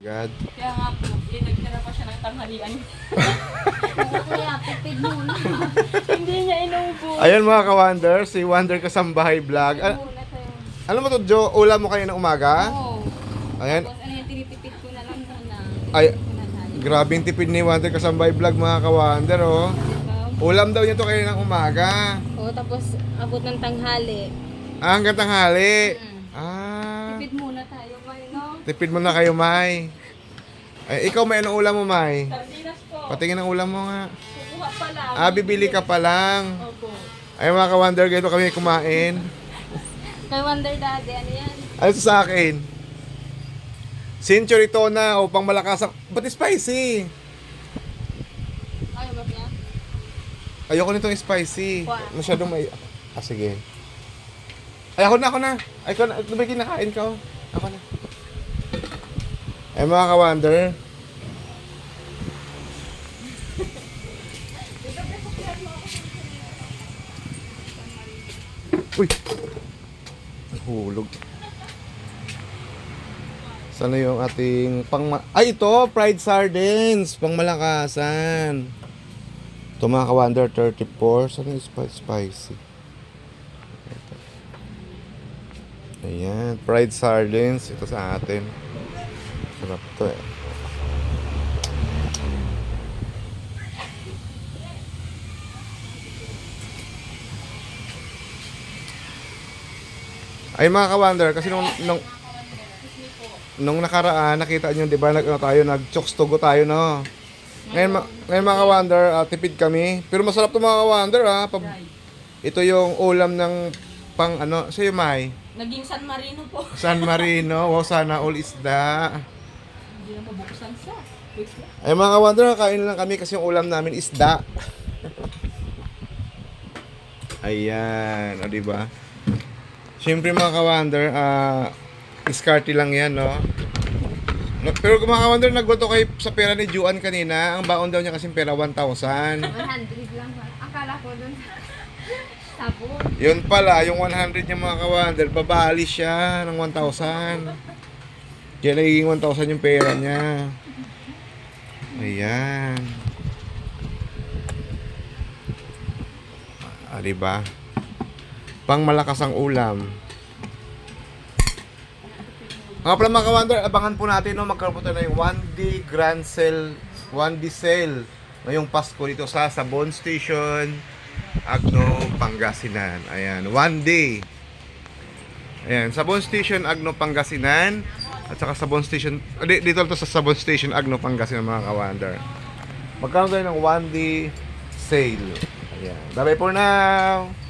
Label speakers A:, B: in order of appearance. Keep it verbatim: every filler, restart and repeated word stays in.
A: God.
B: Kaya nga po, eh, nagtira pa siya ng tanghalian.
C: Kaya tipid muna.
B: Hindi niya inubo.
A: Ayan mga ka-Wonder, si Wonder Kasambahay Vlog. An-
C: Muna tayo.
A: ano mo to, Jo? Ulam mo kayo ng umaga?
C: Oo.
A: Ayan.
C: Tapos ano yung tinitipid ko na lang muna.
A: Ay,
C: Muna tayo.
A: grabing tipid ni Wonder Kasambahay Vlog mga ka-Wonder, oh.
C: Diba?
A: Ulam daw niya to kayo ng umaga.
C: Oo, tapos abot ng tanghali.
A: Ah, hanggang tanghali.
C: Mm.
A: Ah,
C: Tipid muna tayo, may no?
A: tipid mo na kayo, May. Ay, ikaw may anong ulam mo, May?
B: Sardinas po.
A: Patingin ang ulam mo nga.
B: Kukuha pa lang.
A: Ah, bibili ka pa lang.
B: Opo.
A: Ay mga ka-Wonder, ganito kami kumain.
C: Kay Wonder Daddy, ano yan?
A: Ano to sa akin? Century tuna o pang malakas ang... Ba't spicy?
C: Ayaw ba niya?
A: Ayoko nitong spicy.
C: Wow.
A: Masyadong may... Ah, sige. Ay, ako na, ako na. Ay, ako na. Ito ba kinakain ka? Oh? Ako na. Ay, mga ka-Wonder. Uy! Hulog. Sana yung ating pang... Ay, ito! Fried sardines! Pang malakasan. Ito mga ka-Wonder, thirty-four. Sana yung spi- spicy? Ayan, fried sardines. Ito sa atin. Sarap to eh. Ay mga ka-Wonder, kasi nung, nung, nung nakaraan, nakita nyo, di ba, nag, ano, tayo, nag-chokes togo tayo, no? Ngayon, ma- ngayon mga ka-Wonder, ah, tipid kami. Pero masarap to mga ka-Wonder, ha? Pab- ito yung ulam ng pang, ano, sa'yo, May?
B: Naging San Marino po.
A: San Marino, wow, sana all isda.
B: Hindi na mabuksan siya. Wait lang.
A: Ay mga ka-Wonder, kain lang kami kasi yung ulam namin isda. Ayan, o diba? Siyempre mga ka-Wonder, ah, iskarte lang yan, no? No- Pero mga ka-Wonder, nagwato kayo sa pera ni Juan kanina. Ang baon daw niya kasi pera one thousand.
C: one hundred lang. Akala ko dun. Sabon.
A: Yun pala, yung one hundred niya mga ka-Wonder, babali siya ng one thousand. Kaya nagiging one thousand yung pera niya. Ayan. Ah, diba? Pang malakas ang ulam. Mga pala mga ka-Wonder, abangan po natin no, magkaroon po tayo ng one D Grand Sale, one D Sale ngayong Pasko dito sa Sabon Station, Agno, Pangasinan. Ayan, one day. Ayan, Sabon Station, Agno, Pangasinan. At saka Sabon Station, di- dito to sa Sabon Station, Agno, Pangasinan mga ka-Wonder. Magkaroon tayo ng one day sale. Ayan, bye bye for now.